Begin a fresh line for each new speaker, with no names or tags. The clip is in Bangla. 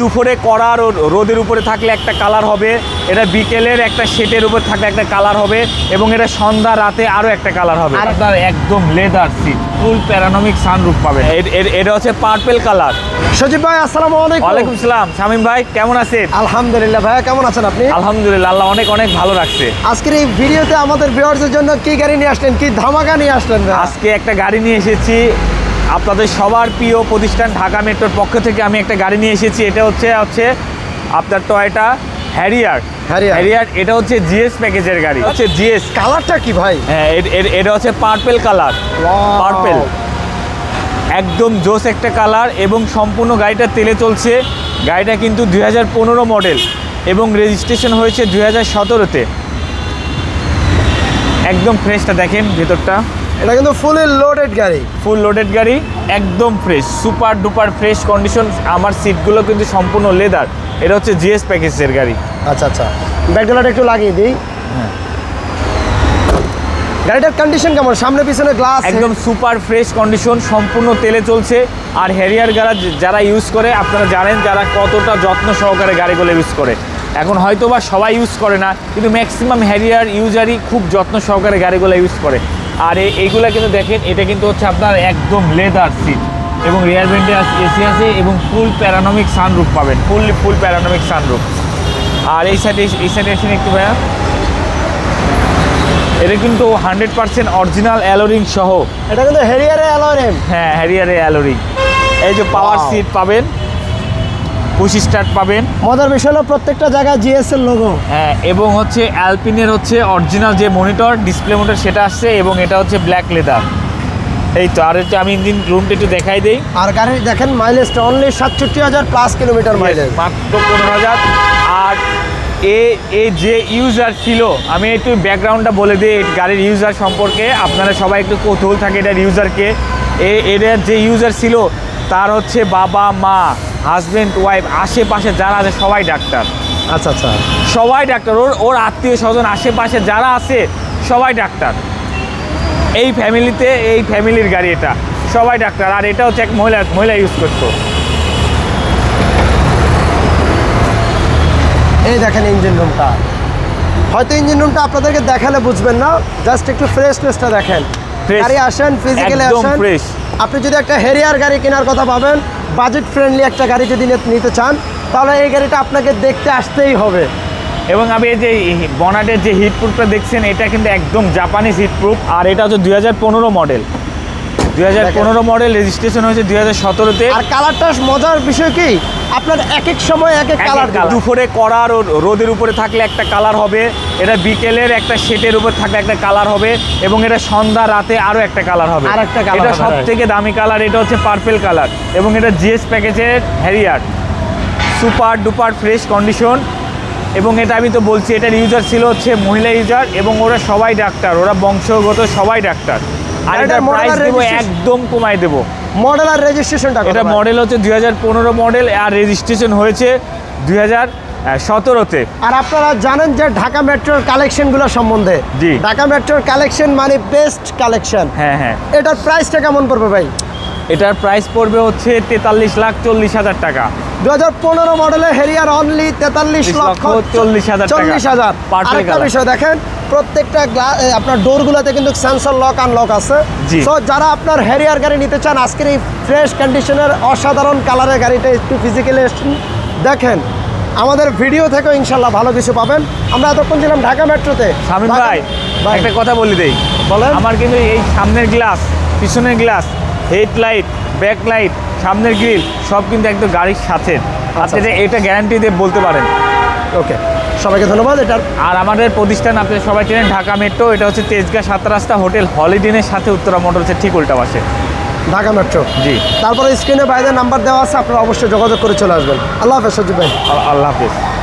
দুপুরে কড়া রোদের উপরে থাকলে একটা কালার হবে, এটা বিকেলের একটা শেটের উপর থাকলে একটা কালার হবে, এবং এটা সন্ধ্যা রাতে আরও একটা কালার হবে। আর আপনার একদম leather seat, full panoramic sunroof পাবেন। এটা হচ্ছে পার্পল কালার।
সজীব ভাই আসসালামু আলাইকুম।
ওয়ালাইকুম আসসালাম। শামীম ভাই কেমন আছেন?
আলহামদুলিল্লাহ। ভাইয়া কেমন আছেন আপনি?
আলহামদুলিল্লাহ, আল্লাহ অনেক অনেক ভালো রাখছে।
আজকের এই ভিডিওতে আমাদের ভিউয়ারদের জন্য কি গাড়ি নিয়ে আসলেন, কি ধামাকা নিয়ে আসলেন?
আজকে একটা গাড়ি নিয়ে এসেছি আপনাদের সবার প্রিয় প্রতিষ্ঠান ঢাকা মেট্রোর পক্ষ থেকে। আমি একটা গাড়ি নিয়ে এসেছি, এটা হচ্ছে আপনার টয়োটা হ্যারিয়ার। এটা হচ্ছে জিএস প্যাকেজের গাড়ি, হচ্ছে জিএস।
কালারটা কি ভাই?
হ্যাঁ, এটা হচ্ছে পার্পল কালার। পার্পল একদম জোস একটা কালার, এবং সম্পূর্ণ গাড়িটা তেলে চলছে। গাড়িটা কিন্তু 2015 মডেল এবং রেজিস্ট্রেশন হয়েছে 2017-তে। একদম ফ্রেশটা দেখেন ভেতরটা।
এটা কিন্তু ফুল লোডেড গাড়ি,
একদম fresh, super duper fresh condition. আমার সিটগুলো কিন্তু সম্পূর্ণ লেদার। এটা হচ্ছে জিএস প্যাকেজের গাড়ি।
আচ্ছা, ব্যাকডলাটা একটু লাগিয়ে দিই।
হ্যাঁ,
গাড়িটার কন্ডিশন কেমন? সামনে পিছনে গ্লাস
একদম সুপার ফ্রেশ কন্ডিশন, সম্পূর্ণ তেলে চলছে। আর হ্যারিয়ার গাড়ি যারা ইউজ করে, আপনারা জানেন যারা কতটা যত্ন সহকারে গাড়িগুলো ইউজ করে। এখন হয়তো বা সবাই ইউজ করে না, কিন্তু ম্যাক্সিমাম হ্যারিয়ার ইউজারই খুব যত্ন সহকারে গাড়িগুলো ইউজ করে। আর এইগুলা কিন্তু দেখেন, এটা কিন্তু হচ্ছে আপনার একদম লেদার সিট, এবং রিয়ার ভেন্টে এসি আছে, এবং ফুল প্যারানমিক সানরুফ পাবেন, ফুল প্যারানমিক সানরুফ। আর এই সাইডে এসে একটু ভাইয়া, এটা কিন্তু 100% অরিজিনাল অ্যালোরিং সহ।
এটা কিন্তু হ্যারিয়ারের অ্যালয়।
হ্যাঁ, হ্যারিয়ারের অ্যালোরিং। এই যে পাওয়ার সিট পাবেন, পুশ স্টার্ট পাবেন।
মজার বিষয় হলো প্রত্যেকটা জায়গায় জিএস এর লোগো।
হ্যাঁ, এবং হচ্ছে অ্যালপিনের হচ্ছে অরিজিনাল যে মনিটর, ডিসপ্লে মনিটর সেটা আসছে, এবং এটা হচ্ছে ব্ল্যাক লেদার। এই তো। আর একটু আমি ইঞ্জিন রুমটা একটু দেখাই দেই।
আর গাড়ি দেখেন মাইলেজটা অনলি 67,000 প্লাস কিলোমিটার মাইলেজ,
মাত্র 15,000। আর এ যে ইউজার ছিল, আমি একটু ব্যাকগ্রাউন্ডটা বলে দিই গাড়ির ইউজার সম্পর্কে। আপনারা সবাই একটু কৌতূহল থাকে এটার ইউজারকে। এটার যে ইউজার ছিল তার হচ্ছে বাবা মা, হাজব্যান্ড ওয়াইফ, আশেপাশে যারা আছে সবাই ডাক্তার।
আচ্ছা,
সবাই ডাক্তার। ওর আত্মীয় স্বজন আশেপাশে যারা আছে সবাই ডাক্তার। এই ফ্যামিলির গাড়ি, এটা সবাই ডাক্তার। আর এটা হচ্ছে এক মহিলা ইউজ করতো।
এই দেখেন ইঞ্জিন রুমটা। হয়তো ইঞ্জিন রুমটা আপনাদেরকে দেখালে বুঝবেন না, জাস্ট একটু ফ্রেশনেসটা দেখেন। গাড়ি আসেন, ফিজিক্যালি আসেন। আপনি যদি একটা হ্যারিয়ার গাড়ি কেনার কথা ভাবেন, বাজেট ফ্রেন্ডলি একটা গাড়ি যদি নিতে চান, তাহলে এই গাড়িটা আপনাকে দেখতে আসতেই হবে।
এবং আমি এই যে বনাটের যে হিটপ্রুফটা দেখছেন, এটা কিন্তু একদম জাপানিজ হিটপ্রুফ। আর এটা হচ্ছে 2015 মডেল। 2015 মডেল, রেজিস্ট্রেশন হয়েছে 2017-তে।
আর কালারটা মজার বিষয় কি, আপনার এক এক সময় এক এক কালার।
দুপুরে কড়া রোদের উপরে থাকলে একটা কালার হবে, এটা বিকেলের একটা শেটের উপর থাকলে একটা কালার হবে, এবং এটা সন্ধ্যা রাতে আরও একটা কালার হবে। এটা সব থেকে দামি কালার। এটা হচ্ছে পার্পল কালার, এবং এটা জিএস প্যাকেজের হ্যারিয়ার, সুপার ডুপার ফ্রেশ কন্ডিশন। এবং এটা আমি তো বলছি, এটার ইউজার ছিল হচ্ছে মহিলা ইউজার, এবং ওরা সবাই ডাক্তার, ওরা বংশগত সবাই ডাক্তার। আর এটার প্রাইস দেবো একদম কমাই দেবো।
মডেল আর রেজিস্ট্রেশনটা,
এটা মডেল হচ্ছে 2015 মডেল, আর রেজিস্ট্রেশন হয়েছে 2017-তে।
আর আপনারা জানেন যে ঢাকা মেট্রোর কালেকশনগুলো সম্বন্ধে।
জি,
ঢাকা মেট্রোর কালেকশন মানে বেস্ট কালেকশন।
হ্যাঁ।
এটার প্রাইসটা কেমন পড়বে ভাই?
এটার প্রাইস পড়বে হচ্ছে 43,40,000 টাকা।
2015 মডেলের হ্যারিয়ার অনলি 43,40,000। আরেকটা বিষয় দেখেন, প্রত্যেকটা আপনার ডোরগুলোতে কিন্তু সেন্সর লক আনলক আছে। সো যারা আপনার হ্যারিয়ার গাড়ি নিতে চান, আজকের এই ফ্রেশ কন্ডিশনের অসাধারণ কালারের গাড়িটা একটু ফিজিক্যালি দেখেন। আমাদের ভিডিও থেকেও ইনশাল্লাহ ভালো কিছু পাবেন। আমরা এতক্ষণ ছিলাম ঢাকা মেট্রোতে।
শামীম ভাই, একটা কথা বলে দেই।
বলেন।
আমার কিন্তু এই সামনের গ্লাস, পিছনের গ্লাস, হেডলাইট, ব্যাকলাইট, সামনের গ্রিল সব কিন্তু একদম গাড়ির সাথে। আপনি এটা গ্যারান্টি দিয়ে বলতে পারেন।
ওকে, সবাইকে ধন্যবাদ। এটার
আর আমাদের প্রতিষ্ঠান আপনি সবাই চেনেন, ঢাকা মেট্রো। এটা হচ্ছে তেজগাঁ 7 রাস্তা, হোটেল হলিডেনের সাথে উত্তরা মোটরসের ঠিক উল্টা পাশে,
ঢাকা মেট্রো।
জি।
তারপরে স্ক্রিনে বাইরের নাম্বার দেওয়া আছে, আপনারা অবশ্যই যোগাযোগ করে চলে আসবেন। আল্লাহ হাফেজ সজীব ভাই।
আল্লাহ হাফেজ।